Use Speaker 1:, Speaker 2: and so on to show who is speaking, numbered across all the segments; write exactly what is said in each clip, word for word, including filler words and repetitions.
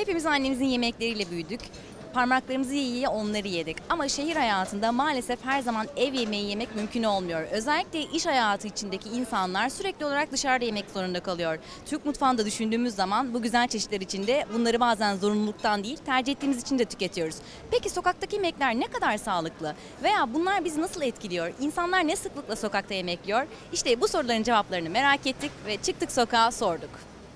Speaker 1: Hepimiz annemizin yemekleriyle büyüdük. Parmaklarımızı yiye yiye onları yedik. Ama şehir hayatında maalesef her zaman ev yemeği yemek mümkün olmuyor. Özellikle iş hayatı içindeki insanlar sürekli olarak dışarıda yemek zorunda kalıyor. Türk mutfağında düşündüğümüz zaman bu güzel çeşitler içinde bunları bazen zorunluluktan değil tercih ettiğimiz için de tüketiyoruz. Peki sokaktaki yemekler ne kadar sağlıklı? Veya bunlar bizi nasıl etkiliyor? İnsanlar ne sıklıkla sokakta yemek yiyor? İşte bu soruların cevaplarını merak ettik ve çıktık sokağa sorduk.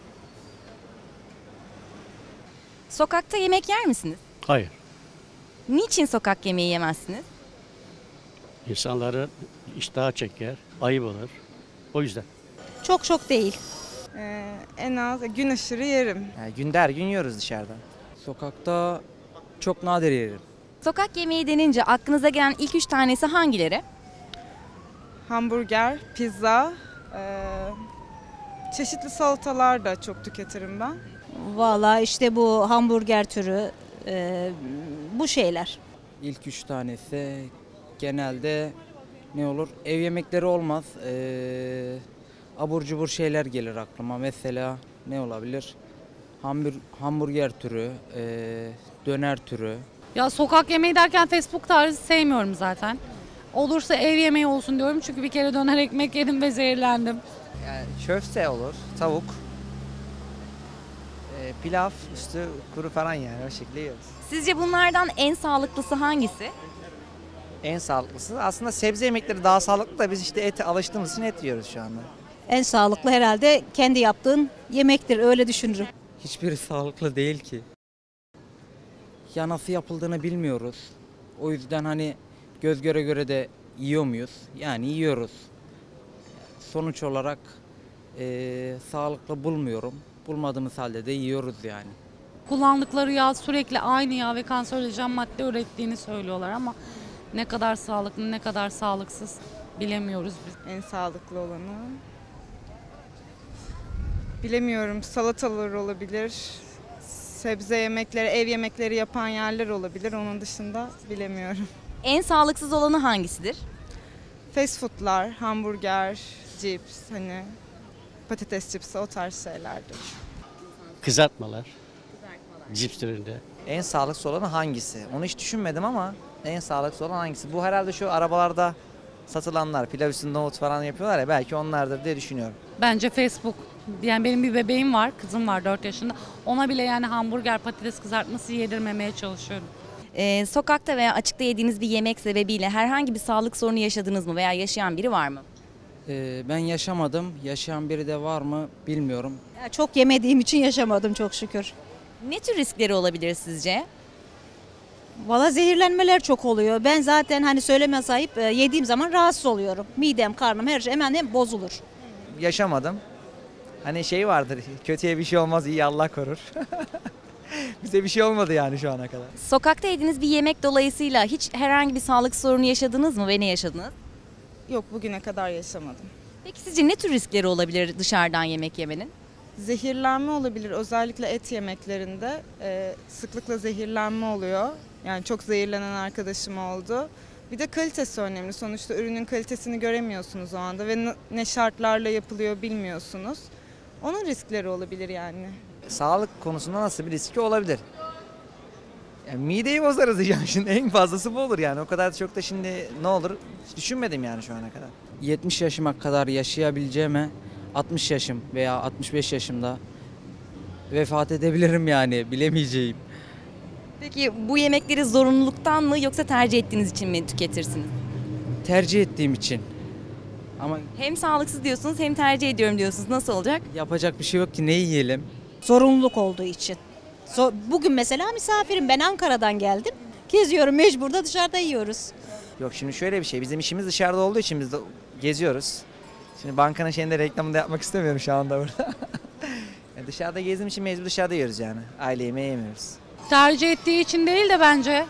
Speaker 1: Sokakta yemek yer misiniz?
Speaker 2: Hayır.
Speaker 1: Niçin sokak yemeği yemezsiniz?
Speaker 2: İnsanları iştah çeker, ayıp olur. O yüzden.
Speaker 3: Çok çok değil.
Speaker 4: Ee, en az gün aşırı yerim.
Speaker 5: Yani günde her gün yiyoruz dışarıda.
Speaker 6: Sokakta çok nadir yerim.
Speaker 1: Sokak yemeği denince aklınıza gelen ilk üç tanesi hangileri?
Speaker 4: Hamburger, pizza, ee, çeşitli salatalar da çok tüketirim ben.
Speaker 3: Valla işte bu hamburger türü e, bu şeyler.
Speaker 6: İlk üç tanesi genelde ne olur? Ev yemekleri olmaz. Ee, abur cubur şeyler gelir aklıma. Mesela ne olabilir? Hambur, hamburger türü, ee, döner türü.
Speaker 7: Ya sokak yemeği derken fast food tarzı sevmiyorum zaten. Olursa ev yemeği olsun diyorum çünkü bir kere döner ekmek yedim ve zehirlendim.
Speaker 5: Yani köfte olur, tavuk, e, pilav, üstü kuru falan yani o şekilde yiyoruz.
Speaker 1: Sizce bunlardan en sağlıklısı hangisi?
Speaker 5: En sağlıklısı aslında sebze yemekleri daha sağlıklı da biz işte ete alıştığımız için et yiyoruz şu anda.
Speaker 3: En sağlıklı herhalde kendi yaptığın yemektir, öyle düşünürüm.
Speaker 6: Hiçbiri sağlıklı değil ki. Ya nasıl yapıldığını bilmiyoruz. O yüzden hani göz göre göre de yiyor muyuz? Yani yiyoruz. Sonuç olarak eee, sağlıklı bulmuyorum. Bulmadığımız halde de yiyoruz yani.
Speaker 7: Kullandıkları yağ sürekli aynı yağ ve kanserojen madde ürettiğini söylüyorlar ama ne kadar sağlıklı ne kadar sağlıksız bilemiyoruz biz.
Speaker 4: En sağlıklı olanı. Bilemiyorum, salatalar olabilir. Sebze yemekleri, ev yemekleri yapan yerler olabilir. Onun dışında bilemiyorum.
Speaker 1: En sağlıksız olanı hangisidir?
Speaker 4: Fast foodlar, hamburger, cips, hani patates cipsi o tarz şeylerdir.
Speaker 2: Kızartmalar. Cips türünde.
Speaker 5: En sağlıklısı olanı hangisi? Onu hiç düşünmedim ama en sağlıklısı olan hangisi? Bu herhalde şu arabalarda satılanlar, pilav üstünde nohut falan yapıyorlar ya belki onlardır diye düşünüyorum.
Speaker 7: Bence Facebook. Yani benim bir bebeğim var, kızım var dört yaşında. Ona bile yani hamburger, patates kızartması yedirmemeye çalışıyorum.
Speaker 1: Ee, sokakta veya açıkta yediğiniz bir yemek sebebiyle herhangi bir sağlık sorunu yaşadınız mı veya yaşayan biri var mı?
Speaker 6: Ee, ben yaşamadım. Yaşayan biri de var mı bilmiyorum.
Speaker 3: Ya çok yemediğim için yaşamadım çok şükür.
Speaker 1: Ne tür riskleri olabilir sizce?
Speaker 3: Valla zehirlenmeler çok oluyor. Ben zaten hani söyleme sahip e, yediğim zaman rahatsız oluyorum. Midem, karnım her şey hemen hem bozulur.
Speaker 5: Yaşamadım. Hani şey vardır, kötüye bir şey olmaz, iyi Allah korur. Bize bir şey olmadı yani şu ana kadar.
Speaker 1: Sokakta yediğiniz bir yemek dolayısıyla hiç herhangi bir sağlık sorunu yaşadınız mı ve ne yaşadınız?
Speaker 4: Yok, bugüne kadar yaşamadım.
Speaker 1: Peki sizce ne tür riskleri olabilir dışarıdan yemek yemenin?
Speaker 4: Zehirlenme olabilir. Özellikle et yemeklerinde e, sıklıkla zehirlenme oluyor. Yani çok zehirlenen arkadaşım oldu. Bir de kalitesi önemli. Sonuçta ürünün kalitesini göremiyorsunuz o anda ve n- ne şartlarla yapılıyor bilmiyorsunuz. Onun riskleri olabilir yani.
Speaker 5: Sağlık konusunda nasıl bir riski olabilir? Yani mideyi bozarız diyeceğim şimdi en fazlası bu olur yani o kadar çok da şimdi ne olur hiç düşünmedim yani şu ana kadar.
Speaker 6: yetmiş yaşıma kadar yaşayabileceğime altmış yaşım veya altmış beş yaşımda vefat edebilirim yani bilemeyeceğim.
Speaker 1: Peki bu yemekleri zorunluluktan mı yoksa tercih ettiğiniz için mi tüketirsiniz?
Speaker 6: Tercih ettiğim için. Ama
Speaker 1: Hem sağlıksız diyorsunuz hem tercih ediyorum diyorsunuz. Nasıl olacak?
Speaker 6: yapacak bir şey yok ki ne yiyelim?
Speaker 3: Zorunluluk olduğu için. So- Bugün mesela misafirim, ben Ankara'dan geldim. Geziyorum, mecbur da dışarıda yiyoruz.
Speaker 5: Yok şimdi şöyle bir şey bizim işimiz dışarıda olduğu için biz de geziyoruz. Şimdi bankanın şeyinde reklamını da yapmak istemiyorum şu anda burada. Yani dışarıda gezdiğim için mecbur dışarıda yiyoruz yani. Aile yemeği yemiyoruz.
Speaker 7: Tercih ettiği için değil de bence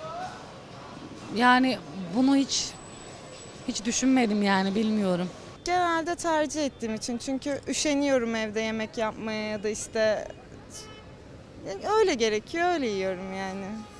Speaker 7: yani bunu hiç hiç düşünmedim yani bilmiyorum.
Speaker 4: Genelde tercih ettiğim için çünkü üşeniyorum evde yemek yapmaya ya da işte yani öyle gerekiyor öyle yiyorum yani.